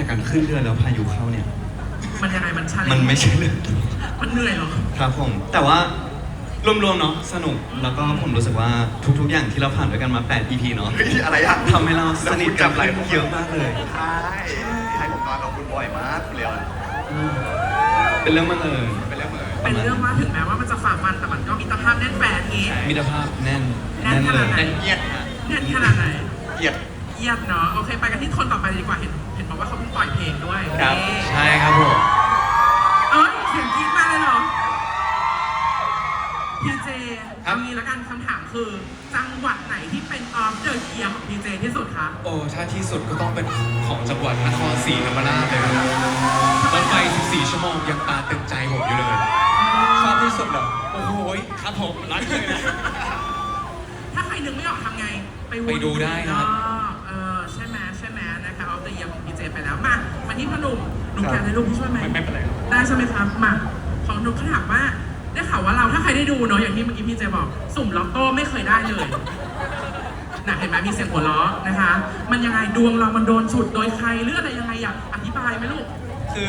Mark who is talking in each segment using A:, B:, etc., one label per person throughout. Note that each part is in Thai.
A: แต่การขึ้นเรือแล้วพายุเข้าเนี่ย
B: มันยังไงมันชาเลนจ์
A: มันไม่ใช่เรื่อง
B: มันเหนื่อยเหรอ
A: ครับผมแต่ว่ารวมๆเนาะสนุกแล้วก็ผมรู้สึกว่าทุกๆอย่างที่เราผ่านด้วยกันมา8 EP เนาะ
C: เฮ้ยอะไรอะ
A: ทำให้เราสนิทกันขึ้นเยอะมากเลย
C: ใช่ใช่ผมนอนกับคุณบ่อยมากคุณเลียว
A: เป็นเรื่องบังเอิญ
C: เป็นเรื่องเหมือน
B: เป็นเรื่องว่าถึงแม้ว่ามันจะฝ่าฟันแต่มันก็มีตรภาพแน่นแฟนนี้
A: มิตรภาพแน่น
B: แน่นข
A: เล
B: นาด
A: ย
B: ไหน
C: เอียดนะ
B: แน่นขนาดไหน
C: เอียด
B: เยียดเนาะโอเคไปกันที่คนต่อไปเลยดีกว่าเห็นบอกว่าเขาเพิ่งปล่อยเพลงด้วย
C: ครับ
B: นี่
A: ใช่ครับผม
B: เอ้ยเสียงกรี๊ดมาเลยเหรอพีเจ
A: ครับ
B: เอางี้แล้วกันคำถามคือ จังหวัดไหนที่เป็นออฟเดอะเยียร์ของพีเจที่สุดคะ
D: โอ้ถ้าที่สุดก็ต้องเป็นของจังหวัดนครศรีธรรมราชเลยครับรถไฟ14 ชั่วโมงยังตาตึงใจผมอยู่เลยชอบที่สุดเหรอโอ้โหครับผมรักเลยนะ
B: ถ้าใครนึกไม่ออกทำไงวน
D: ไปดูได้ครับ
B: ใช่ไหมนะคะออฟเดอะเยียร์ของพีเจไปแล้วมาที่พ่อหนุ่มหนุ่มแกนในรูปพี่ช่วยไหม
D: ไม่เป็นไรครับ
B: ได้ใช่ไหมครับมาของหนุ่มเขาถามว่าได้ข่าวว่าเราถ้าใครได้ดูเนาะอย่างที่เมื่อกี้พี่เจบอกสุ่มล็อตโต้ไม่เคยได้เลยน่ะเห็นไหมมีเสียงหัวเราะนะคะ มันยังไงดวงเรามันโดนฉุดโดยใครหรืออะไรยังไงอยากอธิบายไหมลูก
D: คือ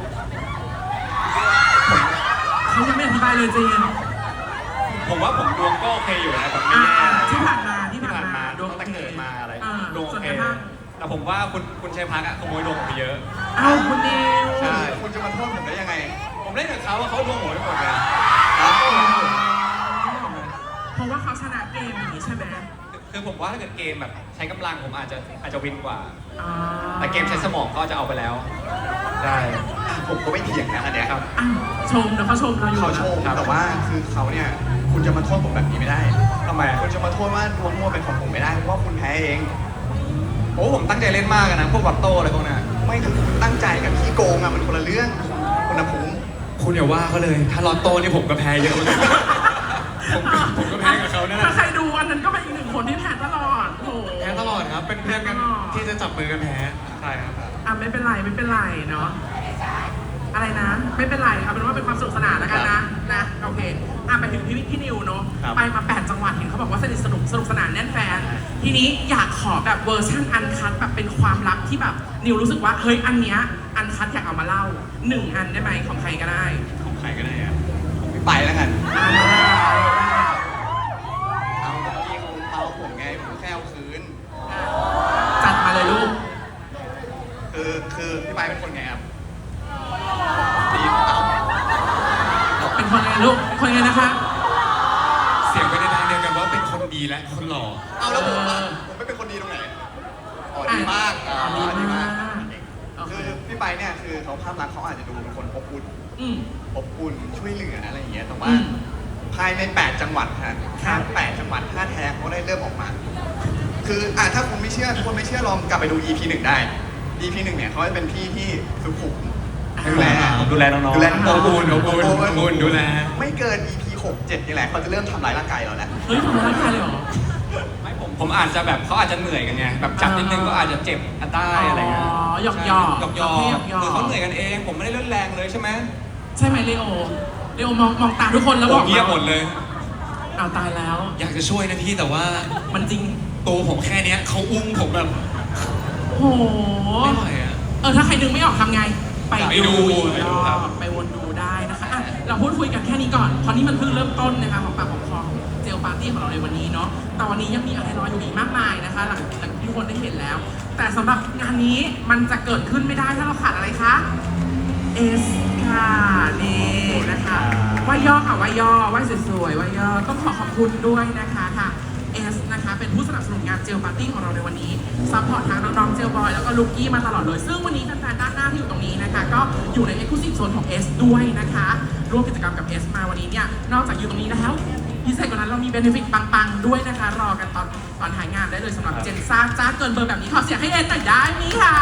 B: เขายังไม่อธิบายเลยเจน
D: ผมว่าผมดวงก็โอเคอยู่นะผมไม่
B: อ่า
D: แย่
B: ที่ผ่านมา
C: ที่ผ่านมาตั้งแต่เกิดมาอะไร
D: ดวงโอ
B: ส่วน
D: เค
B: กระทั่ง
D: แต่ผมว่าคุณชัยพักอะขโมยดวงผมไปเยอะ
B: เอ้าคุณนิว
C: ใช่คุณจะมาโทษผมได้ยังไง
D: ผมเล่นกับเขาว่าเขาดวงผมไปหมดเลย
C: ครับ
B: เพราะว่าเขาชนะเกมอย่างนี้ใช่ไหม
D: คือผมว่าถ้าเกิดเกมแบบใช้กำลังผมอาจจะวินกว่า
B: อ่า
D: แต่เกมใช้สมองก็จะเอาไปแล้วใช่
C: ผมก็ไม่เถียงนะอันเนี้ยครับ
B: อ้าวชมเดี๋ยวเขาชมเราอยู่
C: เขาโชว์แต่ว่าคือเขาเนี่ยคุณจะมาโทษผมแบบนี้ไม่ได้
D: ทำไมอะ
C: คุณจะมาโทษว่าดวงมั่วเป็นของผมไม่ได้เพราะว่าคุณแพ้เอง
D: โอ้ผมตั้งใจเล่นมากอะนะพวกวัตโต้อะไรพวกนั้น
C: ไม่คือคุณตั้งใจกับขี้โกงอะมันคนละเรื่องคุณภูมิ
D: คุณอย่าว่าเขาเลย ถ้าลอตโต้นี่ผมก็แพ้เยอะเหมือนกันผมก็แพ้กับเขานั่นแห
B: ถ้า
D: ละ
B: ใครดูอันนั้นก็เป็นอีกหนึ่งคนที่แพ้ตลอดโอ้โห
D: แพ้ตลอดครับ เป็นเพื่อนกันที่จะจับมือกันแพ้ ใช่ครับ
B: อ่ะไม่เป็นไรเนาะอะไรนะ ไม่เป็นไรเอาเป็นว่าเป็นความสนุกสนานแล้วกันนะโอเคอ่ะไปถึงพี่นิวเนาะ
C: ครับ
B: ไปมา8จังหวัดเห็นเขาบอกว่าสนุกสนานแน่นแฟนทีนี้อยากขอแบบเวอร์ชันอันคัทแบบเป็นความลับที่แบบนิวรู้สึกว่าเฮ้ยอันเนี้ยอันคัทอยากเอามาเล่า1อันได้ไหมของใครก็ได้
C: ของใครก็ได้อะผมไม่ไปแล้วกัน เอาเมื่อกี้เขาเมาผมไงผมแค่เอาคืน
B: จัดมาเลยลูก
C: คือพี่ไปเป็นคนไงครับดีเอา
B: เป็นคนไงลูกเป็นคนไงนะคะ
D: เสียงไปในทางเดียวกันว่าเป็นคนดีและคนหล่อ
C: เอาแล้วผมอะผมไม่เป็นคนดีตรงไหนอ๋อดีมากดีมาก
B: โอเค
C: คือพี่ไปเนี่ยคือเขาภาพลักษณ์เขาอาจจะดูเป็นคนอบอุ่น
B: อืม
C: อบอุ่นช่วยเหลืออะไรอย่างเงี้ยแต่ว่า
B: อืม
C: ภายใน8จังหวัดฮะถ้า8จังหวัดท่าแท้เขาได้เริ่มออกมา คือถ้าคุณไม่เชื่อทุกคนไม่เชื่อลองกลับไปดู EP 1 ได้ EP 1เนี่ยเขาจะเป็นพี่ที่สุขุมดูแล
D: ดูแลน้องๆ
C: ดูแลน้อง
D: อบอุ่นดูแล
C: ไม่เกิน EP 6 7นี่แหละเขาจะเริ่มทำร้ายร่างกายเราแล้ว
B: เฮ้ยทำร้ายร่างกายเลยเหรอ
D: ไม่ผมอาจจะแบบเขาอาจจะเหนื่อยกันไงแบบจับนิดนึงก็อาจจะเจ็บอันได้อะไรเงี้ย
B: อ๋อหยอก
D: หยอกคือเขาเหนื่อยกันเอง ผมไม่ได้เล่นแรงเลยใช่ไหม
B: ใช่ไหมเลโอมองตาทุกคนแล้วบอก
D: เงียบหมดเลย
B: อ้าวตายแล้ว
D: อยากจะช่วยนะพี่แต่ว่า
B: มันจริง
D: ตัวผมแค่เนี้ยเขาอุ้มผมแบบ
B: โห
D: ไม่ไหวอะ
B: ถ้าใครนึกไม่ออกทำไง ไป
D: ไปดู
B: อีก
D: ไป
B: ร
D: ดู
B: อ
D: ครับ
B: บไปวนดูได้นะคะอ่ะเราพูดคุยกันแค่นี้ก่อนเพราะนี่มันเพิ่งเริ่มต้นนะคะของปากของคอเจลปาร์ตี้ของเราในวันนี้เนาะแต่วันนี้ยังมีอะไรรออยู่อีกมากมายนะคะหลังจากที่ทุกคนได้เห็นแล้ว แต่สำหรับงานนี้มันจะเกิดขึ้นไม่ได้ถ้าเราขาดอะไรคะเอสค่ะนี่นะคะว่าย่อค่ะว่าย่อว่าสวยๆว่าย่อต้องขอบคุณด้วยนะคะค่ะเอสนะคะเป็นผู้สนับสนุนงานเจลปาร์ตี้ของเราในวันนี้ซัพพอร์ตทางน้องๆเจลบอยแล้วก็ลูกกี้มาตลอดเลยซึ่งวันนี้แฟนๆด้านหน้าที่อยู่ตรงนี้นะคะก็อยู่ใน Exclusive Zone ของ S ด้วยนะคะร่วมกิจกรรมกับ S มาวันนี้เนี่ยนอกจากอยู่ตรงนี้แล้วพิเศษกว่านั้นเรามีเบนฟิตปังๆด้วยนะคะรอกันตอนถ่ายงานได้เลยสำหรับเจนซ่าจ้าเกินเบอร์แบบนี้ขอเสียงให้เอสหน่อยได้ไหมคะ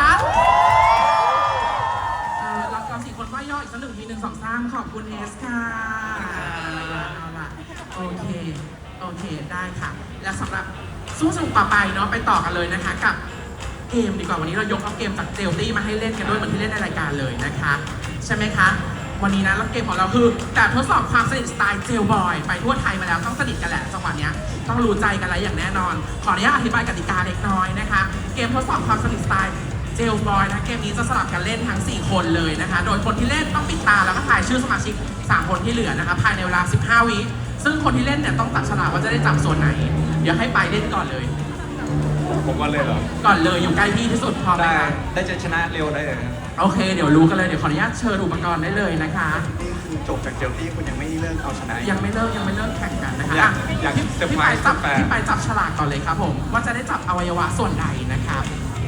B: เราสี่คนว่าย่ออีกสัก1 ที 1 2 3ขอบคุณเอสค่ะเอาล่ะโอเคได้ค่ะและสำหรับสู้สนุกต่อไปเนาะไปต่อกันเลยนะคะกับเกมดีกว่าวันนี้เรายกเอาเกมจากเจลตี้มาให้เล่นกันด้วยเหมือนที่เล่นในรายการเลยนะคะใช่ไหมคะวันนี้นะแล้วเกมของเราคือแบบทดสอบความสนิทสไตล์เจลบอยไปทั่วไทยมาแล้วต้องสนิทกันแหละจังหวะเนี้ยต้องรู้ใจกันแล้วอย่างแน่นอนขออนุญาตอธิบายกติกาเล็กน้อยนะคะเกมทดสอบความสนิทสไตล์เจลบอยนะเกมนี้จะสลับกันเล่นทั้ง 4 คนเลยนะคะ โดยคนที่เล่นต้องปิดตาแล้วก็ถ่ายชื่อสมาชิก 3 คนที่เหลือนะคะภายในเวลา 15 วิซึ่งคนที่เล่นเนี่ยต้องตัดฉลากว่าจะได้จับส่วนไหน เดี๋ยวให้ไปเล่นก่อนเลย
D: ผมว่าเลยเหรอ
B: ก่อนเลยอยู่ใกล้พี่ที่สุดพร้อมไหม
D: ได้
B: คะ
D: ได้จะชนะเร็วได้เลยครับ
B: โอเค เดี๋ยวรู้กันเลยเดี๋ยวขออนุญาตเชิญอุปกรณ์ได้เลยนะคะ
C: นี่คือจบจากเจลตี้คุณยังไม่เลิกเอาชนะอีก
B: ยังไม่เลิกแข่งกันนะคะ
D: อยาก
B: พี่
D: เซอร์
B: พี่
D: ไพร
B: ไป
D: ส์
B: จับ
D: แฟน
B: พี่ไปจับฉลากก่อนเลยครับผมว่าจะได้จับอวัยวะส่วนใดนะครับ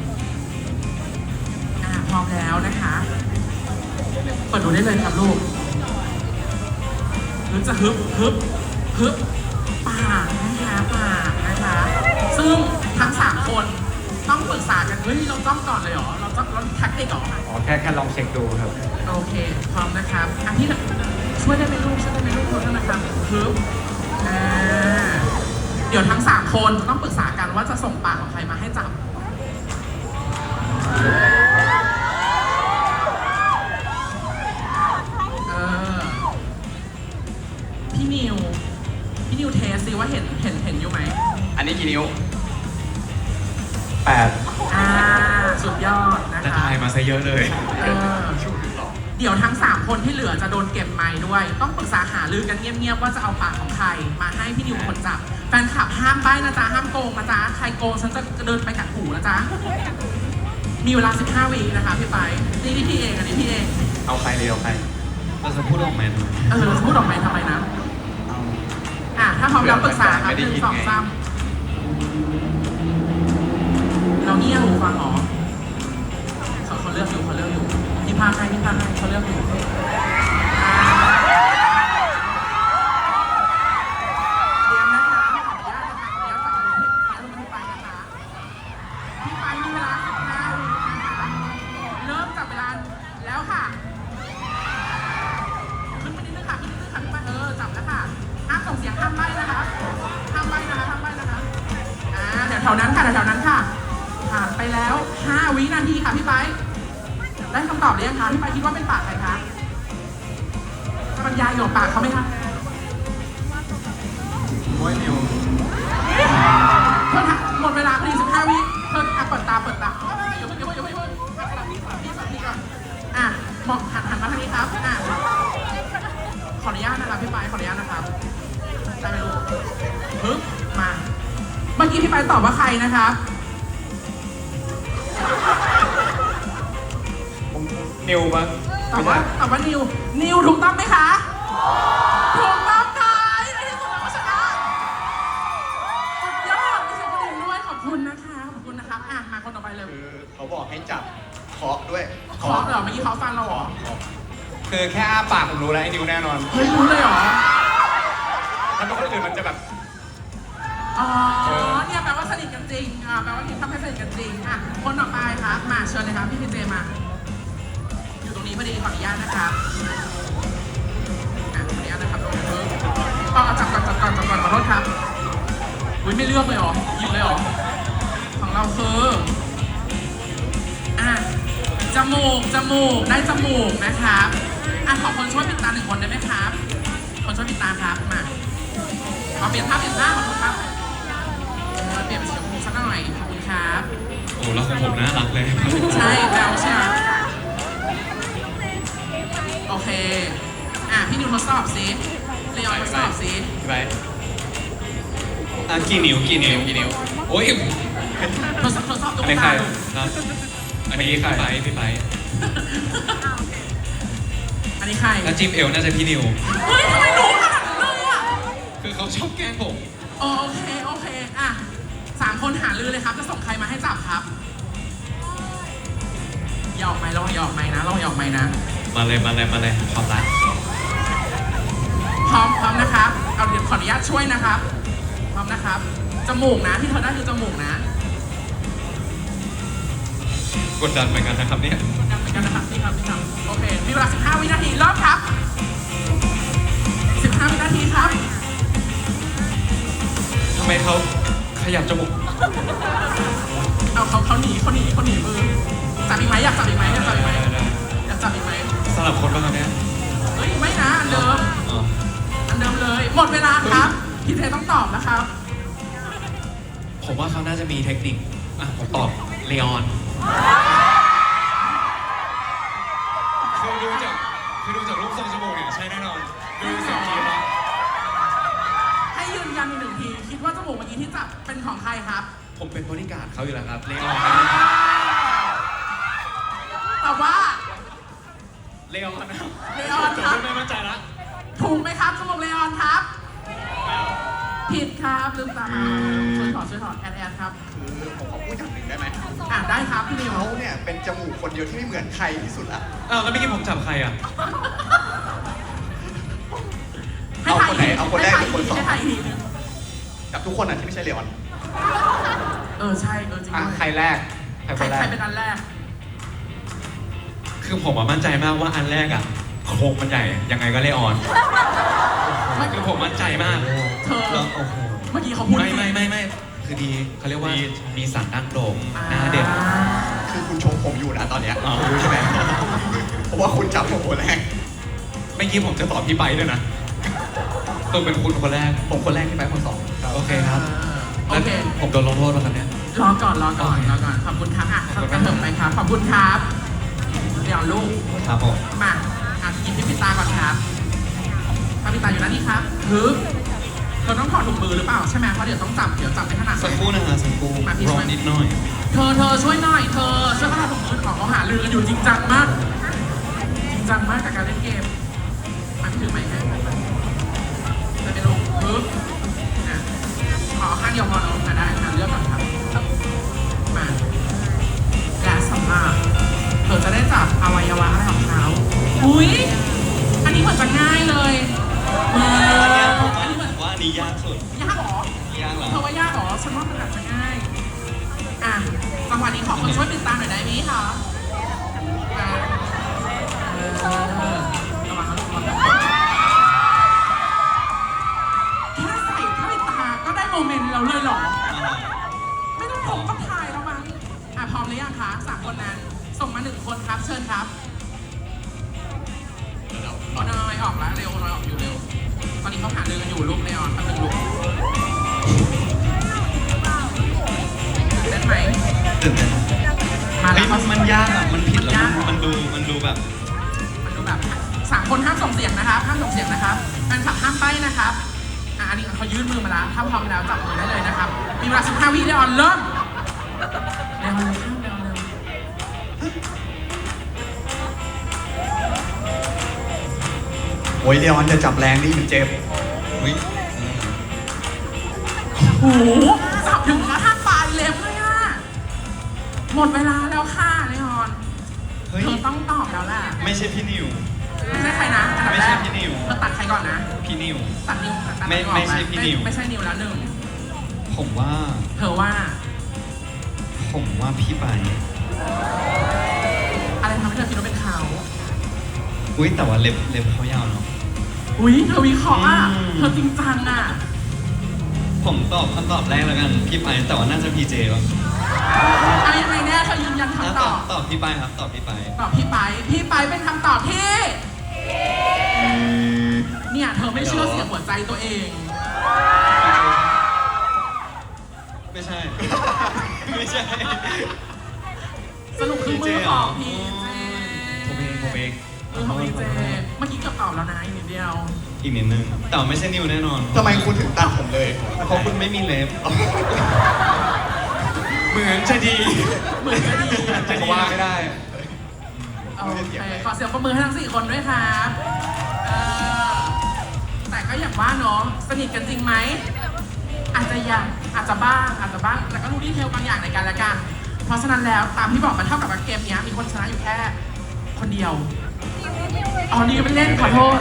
B: พร้อมแล้วนะคะเปิดดูได้เลยครับลูกหรือจะฮึบปากนะคะปากนะคะ ซึ่งทั้ง3คนต้องปรึกษากันเฮ้ยเราจ้องก่อนเลยเหรอเราแท็กติกเหรอ
D: อ๋อแค่ลองเช็คดูครับ
B: โอเค พร้อมนะครับพี่ช่วยได้ไหมลูกขอโทษนะครับฮึบเดี๋ยวทั้ง 3 คนจะต้องปรึกษากันว่าจะส่งปากของใครมาให้จับ พี่นิวเทสซิว่าเห็นอยู่ไหม
C: อันนี้กี่นิ้ว
D: 8
B: สุดยอดนะ
D: จะ
B: คะ
D: ทายมาซะเยอะเลย
B: เดี๋ยวทั้ง 3 คนที่เหลือจะโดนเก็บไม้ด้วย ต้องปรึกษาหารือกันเงียบๆว่าจะเอาปากของใครมาให้พี่นิวเป็นคนจับ แฟนคลับห้ามใบ้นะจ๊ะ ห้ามโกงนะจ๊ะ ใครโกงฉันจะเดินไปกัดหูนะจ๊ะ มีเวลา 15 วินะคะพี่ไปนี่พี่เองอันนี้พี่เอง
D: เอาใครเลยเอาใคร
A: เราจะพูดออกมาทำไม
B: เราจะพูดออกไปทำไมนะ ถ้าพร้อมแล้วปรึกษาครับ
D: ไม่ได้ยิน
B: 1 2
D: ไง
B: 3เราเงียบหูฟังเหรอเขาเลือกอยู่พี่พาให้เขาเลือกอยู่เตรียมนะคะขออนุญาตนะคะขออนุญาตจับมือพี่ไปนะคะพี่ไปมีเวลา15 วินะคะเริ่มจับเวลาแล้วค่ะขึ้นไปนิดนึงค่ะพี่ไปจับแล้วค่ะห้ามส่งเสียงห้ามใบ้นะคะเดี๋ยวแถวนั้นค่ะผ่านไปแล้ว5 วินาทีค่ะพี่ไปได้คำตอบหรือยังคะพี่ไปคิดว่าเป็นปากใครคะบรรยายอยู่กับปากเขาไหมคะ
C: โอ้ยนิว
B: เธอหมดเวลาพอดี15 วิเธอเปิดตาเดี๋ยวสลับที่ก่อนมองหันมาทางนี้ครับขออนุญาตนะครับพี่ไปขออนุญาตนะครับได้ไหมลูกปึ๊บมาเมื่อกี้พี่ไปตอบว่าใครนะครับ
D: นิวปะ
B: ตอบว่านิวถูกต้องไหมคะถูกต้องค่ะในที่สุดเราก็ชนะสุดยอดมีเสียงกระดิ่งด้วยขอบคุณนะคะมาคนต่อไปเลย
C: คือเขาบอกให้จับเคาะด้วย
B: เคาะเหรอเมื่อกี้เขาฟังเราเหรอ
D: คือแค่อ้าปากผมรู้แล้วไอ้นิวแน่นอน
B: เฮ้ยรู้เลยเหรอ
D: ถ้าเป็นคนอื่นมันจะแบบ
B: อ๋อเนี่ยแปลว่าสนิทกันจริงแปลว่าทำให้สนิทกันจริงคนต่อไปครับมาเชิญเลยครับพี่พีเจมาอยู่ตรงนี้พอดีขออนุญาตนะครับขออนุญาตนะครับจับก่อนขอโทษครับอุ้ยไม่เลือกเลยเหรอหยิบเลยเหรอของเราคือจมูกได้จมูกนะครับขอคนช่วยปิดตา1 คนได้ไหมครับคนช่วยปิดตาครับมาเปลี่ยนภาพขอบคุณครับเปลี่ยนเป็นสีชมพูสักหน่อยขอบคุณครับ
A: โอ้แล้วของผมน่ารักเลย
B: ใช่แล้วใช่ไหมโอเคพี่นิวทดสอบสิเลออนทดสอบสิ
D: พี่ไป
A: กี่นิ้ว
D: โอ้ย
B: ทดสอบตร
D: อั
B: ง
D: นนี้
B: ก
D: ใคร
B: ลาง
A: ครับ
D: อันนี้ใคร
A: พี่ไป
B: อันนี้ใคร
A: ถ้าจิ้มเอวน่าจะพี่นิว
B: เฮ้ยทำไมรู้ขนาดนั้นเลยอ่ะ
A: คือเขาชอบแกล้งผม
B: โอเค3 คนหาลือเลยครับจะส่งใครมาให้จับครับอย่าออกไม้ลองอย่าออกไม้นะ
A: มาเลยความรัก
B: พร้อมนะครับเอาเดี๋ยวขออนุญาตช่วยนะครับพร้อมนะครับจมูกนะที่เธอได้คือจมูกนะ
A: กดดันเหมือนกันนะครับเนี่ย
B: เหมือนกันนะครับพี่ครับโอเคมีเวลา15 วินาทีเริ่มครับ15 วินาทีครับ
A: ทำไมเขาขยับจมูก
B: เอาเขาหนีมือจับอีกไหมอยากจับอีกไหมอยากจับอีกไหม
A: สลับคนบ้างครับเนี่ย
B: เฮ้ยไม่นะอันเดิม
A: อ๋อ
B: อันเดิมเลยหมดเวลาครับพี่เทต้องตอบนะครับ
A: ผมว่าเขาน่าจะมีเทคนิคผมตอบเลออน
B: เ
D: ผมเป็นบริการดเขาอยู่แล้วครับเลออน
B: แต่ว่า
D: เลออนนะ
B: เลออนครับ
D: ไม่มั่นใจละ
B: ถูกไหมครับสมองเลออนครับ ผิดครับลืมตาช่วยถอดแอดครับ
C: คือผมขอพูดอย่างหนึ่งได้ไหม
B: ได้ครับพี่นิว
C: เขาเนี่ยเป็นจมูกคนเดียวที่ไม่เหมือนใครที่สุดละ
D: อ้าวแล้วเมื่อกี้ผมจับใครอ่ะ
B: ให้ถ่าย
C: เอาคนแรกหรือคนสอง
B: ให้ถ่ายอีกทีนึง
C: กับทุกคนอ่ะที่ไม่ใช่เลออน
B: ใช่จริงด้วย
C: ใครแรก
B: ใครเป็นอันแรก
D: คือผมมั่นใจมากว่าอันแรกอ่ะโครงมันใหญ่ยังไงก็เลออนคือผมมั่นใจมาก
B: เธอ
A: แล้วโอ้โห
B: เมื่อกี้เขาพูด
D: ไม่คือดีเขาเรียกว่ามีสันดั้งโด่งหน้าเด็ก
C: คือคุณชมผมอยู่นะตอนเนี้ย
A: อ๋อ
C: รู้ใช่ไหมเพราะว่าคุณจับผมคนแรก
D: เมื่อกี้ผมจะตอบพี่ไปด้วยนะต้องเป็นคุณคนแรก
C: ผมคนแรกที่ไปคนสอง
D: โอเคครับ
B: โอเค
D: ผมโดนลงโทษแล้วครับเนี่ย
B: รอก่อนขอบคุณครับกระเถิบไปครับ ขอบคุณครับเดี๋ยวลูก
A: ครับผม
B: มากินพี่ปิตาก่อนครับพี่ปิตาอยู่ด้านนี้ครับหรือเธอต้องถอดถุงมือหรือเปล่าใช่ไหมเพราะเดี๋ยวต้องจับไม่ถนัด
A: สักครู่นะฮะสักครู่
B: มาพี่
A: ร
B: ช่
A: อ
B: วย
A: นิดหน่อย
B: เธอช่วยหน่อยเธอช่วยเขาถอดถุงมือของเขาหาลือกันอยู่จริงจังมาก จริงจังมากกับการเล่นเกมมาพี่ถือไมค์ให้จะไปลงปึ๊บขอข้างเดียวพอเนาะได้ค่ะเลือกก่อนครับมาและสำหรับเธอจะได้จับอวัยวะอะไรของเขาอุ้ยอันนี้เหมือนจะง่ายเลยอันนี้เหมือน
A: ว่าอันนี้ยากสุด
B: ยากเหรอ
A: ยากเหรอ
B: เธอว่ายากเหรอฉันว่ามันอาจจะง่ายจังหวะนี้ขอคนช่วยติดตามหน่อยได้ไหมคะระวังนะลูกแค่ใส่ผ้าปิดตาก็ได้โมเมนต์แล้วเลยเหรอ ไม่ต้องผมก็ถ่ายแล้วมั้งพร้อมหรือยังคะ3 คนนั้น ส่งมา1 คนครับ เชิญครับโอนอยออกแล้วเร็วโอนอยออกอยู่เร็ว ตอนนี้เขาหาเรื่องกันอยู่ลูกเลออนแป๊บนึงลูกตื่นเต้นไหม
A: ตื่นเต้น
B: มา
A: เฮ้
B: แล้
A: ยว มันยากอ่ะ มันผิดแล้ว
B: ยาก
A: มันดูแบบ
B: มันดูแบบ3 คนห้ามส่งเสียงนะครับห้ามส่งเสียงนะครับแฟนคลับห้ามใบ้นะครับอันนี้เขายื่นมือมาแล้วถ้าพร้อมแล้วจับมือได้เลยนะครับ มีเวลา15 วิเลออนเริ่มเลออนเร็วเลออนเร็ว
C: โอ้ยเลออนจะจับแรงนี่มันเจ็บ
A: อุ๊ย
B: โอ้โหสับถึงกระทั่งปลายเล็บเลยอะหมดเวลาแล้วค่ะเลออน
A: เฮ้ย
B: เธอต้องตอบแล้วแหละ
A: ไม่ใช่พี่นิว
B: ไม่ใช่ใครนะอันดับ
A: ไม่
B: แร
A: ใช่
B: ก
A: พี่นิว
B: เธอตัดใครก่อนนะ
A: พี่นิว
B: ตัดนิวตัด
A: ไม่
B: นิวออก
A: ไม่ใช่พี่นิว
B: ไม่ใช่นิวแล้วหนึ่ง
A: ผมว่า
B: เธอว่า
A: พี่ไป
B: อะไรทำให้เธอคิดว่าเป็นเขา
A: อุ้ยแต่ว่าเล็บเขายาวเนาะ
B: อุ้ยเธอวิเคราะห์อ่ะ
A: อืม
B: เธอจริงจังอ่ะ
A: ผมตอบคำตอบแรกแล้วกันพี่ไปแต่ว่าน่าจะพีเจป่ะ
B: อะไรยังไงแน่เธอยืนยัน
A: อ่ะ
B: คำตอบ
A: ตอบพี่ไปครับตอบพี่ไป
B: ตอบพี่ไปเป็นคำตอบที่เนี่ยเธอไม่เชื่อเสียงหัวใจตัวเอง
A: ไม่ใช่ ไม่ใช่
B: สรุปคือมือของพี่เจ
D: ผมเอง
B: มือของพี่เจเมื่อกี้เกือบตอบแล้วนะอีกนิดเดียว
A: อีกนิดนึงแต่ว่าไม่ใช่นิวแน่นอน
C: ทำไมคุณถึงตัดผมเลย
A: เพราะคุณไม่มีเล็บ
D: เหมือนจะดี
B: เหมือนจะดี
D: จะว่าไม่ได้
B: โอเคขอเสียงปรบมือให้ทั้ง4 คนด้วยครับแต่ก็อย่างว่าเนาะสนิทกันจริงไหมอาจจะบ้างแต่ก็รู้ดีเทลบางอย่างในกันและกัน เพราะฉะนั้นแล้วตามที่บอกมันเท่ากับว่าเกมนี้มีคนชนะอยู่แค่คนเดียวอ๋อนี่ไม่เล่นขอโทษ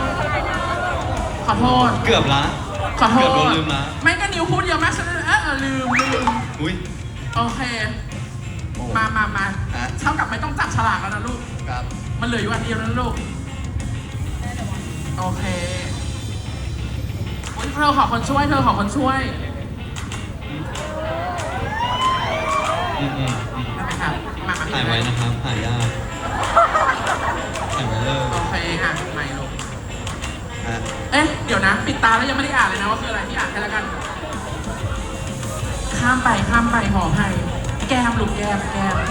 A: เกือบละ
B: ขอโท
A: เกือบโด
B: ษ
A: นลืมละ
B: ไม่ก็นิวพูดเยอะมากฉันลืม
A: อุ้ย
B: โอเค มาเท่ากับไม่ต้องจับฉลากแล้วนะลูก
C: ครับ
B: มันเหลืออยู่อันเดียวนะลูก โอเคอุ๊ยเธอขอคนช่วย ได้ไหมครับ มาพี่
A: ถ่ายไว้นะครับถ่ายยากถ่ายไว้เลย
B: โอเคค่ะไม่ลูก
C: ฮะ
B: เอ๊ะ เดี๋ยวนะ ปิดตาแล้วยังไม่ได้อ่านเลยนะว่าคืออะไรที่อ่านให้แล้วกัน ข้ามไปขออภัยแก้มลูกแก้ม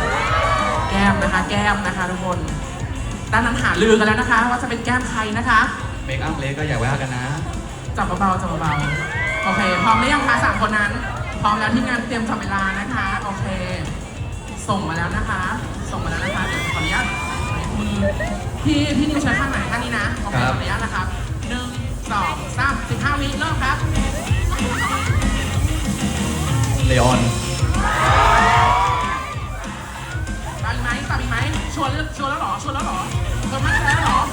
B: นะคะทุกคน ด้านนั้นหาลือกันแล้วนะคะ ว่าจะเป็นแก้มใครนะคะ
C: เมคอัพเล็กก็อย่าว่ากันนะ
B: จับเบาๆโอเค พร้อมหรือยังคะ3 คนนั้น พพร้อมแล้วทีมงานเตรียมจับเวลานะคะ โอเค ส่งมาแล้วนะคะ ส่งมาแล้วนะคะ เดี๋ยวขออนุญาตมือพี่นิวใช้ข้างไหนข้างนี้นะ โอเคขออนุญาตนะครับ1 2 3 15 วิเริ่มครับ
A: เลออน
B: ตามอีกไหมตามอีกไหมชวนแล้วเหรอชวนแล้วเหรอเธอมั่นใจแล้วเหรอ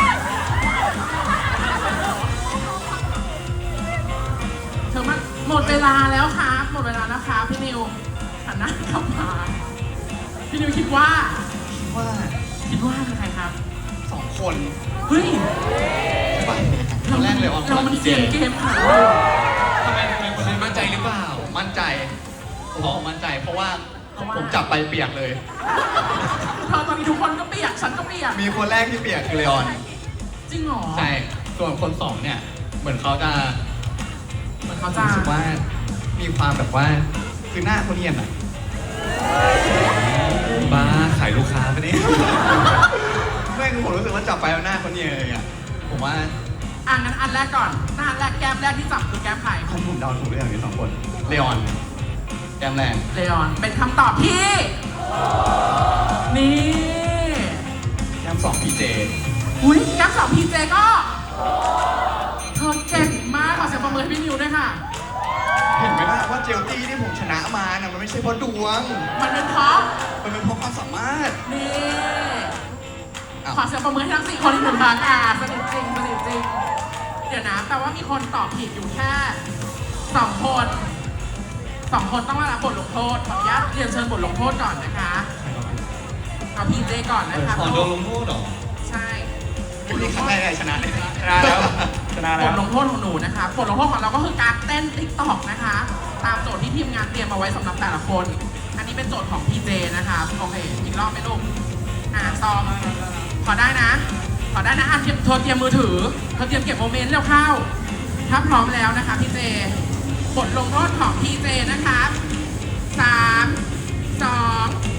B: เธอมันหมดเวลาแล้วครับหมดเวลาแล้วครับพี่นิวหันหน้ากลับมาพี่นิวคิดว่า
C: ว่า
B: เป็นใครครับ
C: 2 คน
B: เฮ้ย
C: ตอนแรกเลยออน
B: เรามันเสียงเกมขนาดนั้นเลยเหรอ
D: ทำไมคุณมั่นใจหรือเปล่า
C: ผมมั่นใจผมมั่นใจ เพราะว่าผมจับไปเปียกเลย
B: เธอตอนนี้ทุกคนก็เปียกฉันก็เปียก
C: มีคนแรกที่เปียกคือเลออน
B: จริงเหรอ
C: ใช่ ส่วนคน 2 เนี่ย เหมือนเขาจะ
B: เหมือนเขาจะ
C: รู้สึกว่ามีความแบบว่าคือหน้าเขาเนียนอะ
D: บ้าขายลูกค้าปะเนี่ย
C: ไม่คือผมรู้สึกว่าจับไปแล้วหน้าเขาเนียนเลยอะผมว่า
B: งั้นอันแรกก่อนหน้าอันแรกแก้มแรกที่จับคือแก้มใคร
C: ผมเดาถูกหรือยัง2 คนเลออนแกมแรง
B: เลออนเป็นคำตอบที่ นี่
C: แกม2พีเจ
B: อุ้ยแก้มสองพีเจก็เธอเก่งมากขอเสียงปรบมือให้พี่นิวด้วยค่ะ
C: เห็นไหมล่ะว่าเจลตี้ที่ผมชนะมาน่ะมันไม่ใช่เพราะดวง
B: มันเป็นเพราะ
C: มันเป็นเพราะความสามารถ
B: นี่
C: อ้าว
B: ขอเสียงปรบมือให้ทั้ง4คนอีกหนึ่งครั้งสนิทจริงสนิทจริง เดี๋ยวนะแต่ว่ามีคนตอบผิดอยู่แค่2 คนต้องได้รับบทลงโทษขออนุญาตเรียนเชิญบทลงโทษก่อนนะคะเอาพีเจก่อนนะคะ
A: ขอโดนลงโทษเหรอ
B: ใช่
C: นี่ครั้งแรกชนะเลยชนะแล้วชนะ
B: บ
C: แล้ว
B: ทลงโทษของหนูนะคะบทลงโทษของเราก็คือการเต้นติ๊กตอกนะคะ ตามโจทย์ที่ทีมงานเตรียมมาไว้สำหรับแต่ละคน อันนี้เป็นโจทย์ของพีเจนะคะโอเคอีกรอบไหมลูกซองขอได้นะเธอเตรียมมือถือเธอเตรียมเก็บโมเมนต์แล้วเข้าถ้าพร้อมแล้วนะคะพีเจบทลงโทษของพีเจนะคะ3 2